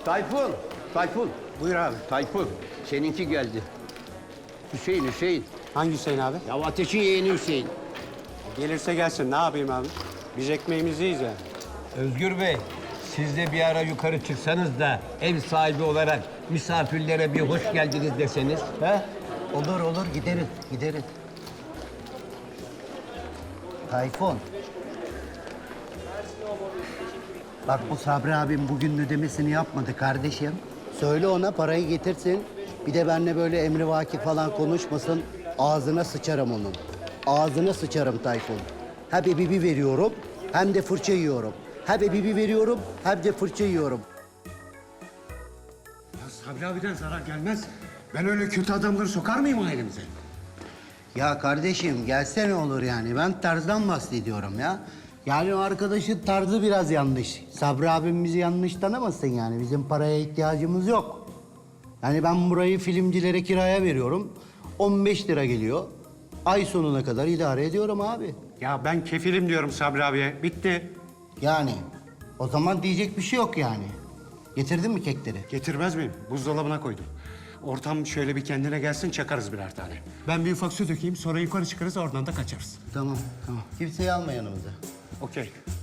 Tayfun, Tayfun. Buyur abi. Tayfun, seninki geldi. Hüseyin. Hangi Hüseyin abi? Ya Ateş'in yeğeni Hüseyin. Gelirse gelsin. Ne yapayım abi? Biz ekmeğimizi yiyeceğiz yani. Özgür Bey, siz de bir ara yukarı çıksanız da ev sahibi olarak misafirlere bir hoş geldiniz deseniz. He? Olur gideriz. Tayfun. Bak bu Sabri abim bugün ödemesini yapmadı kardeşim. Söyle ona parayı getirsin. Bir de benimle böyle emrivaki falan konuşmasın. Ağzına sıçarım onun. Ağzına sıçarım Tayfun. Hem bibi veriyorum hem de fırça yiyorum. Hem bibi veriyorum hem de fırça yiyorum. Ya Sabri abiden zarar gelmez. Ben öyle kötü adamları sokar mıyım ailemize? Ya kardeşim gelse ne olur yani? Ben tarzdan bahsediyorum ya. Yani o arkadaşın tarzı biraz yanlış. Sabri abim bizi yanlış tanımasın yani. Bizim paraya ihtiyacımız yok. Yani ben burayı filmcilere kiraya veriyorum. 15 lira geliyor. Ay sonuna kadar idare ediyorum abi. Ya ben kefilim diyorum Sabri abiye. Bitti. Yani o zaman diyecek bir şey yok yani. Getirdin mi kekleri? Getirmez miyim? Buzdolabına koydum. Ortam şöyle bir kendine gelsin, çakarız birer tane. Ben bir ufak su dökeyim, sonra yukarı çıkarız, oradan da kaçarız. Tamam. Kimseyi alma yanımıza. Okey.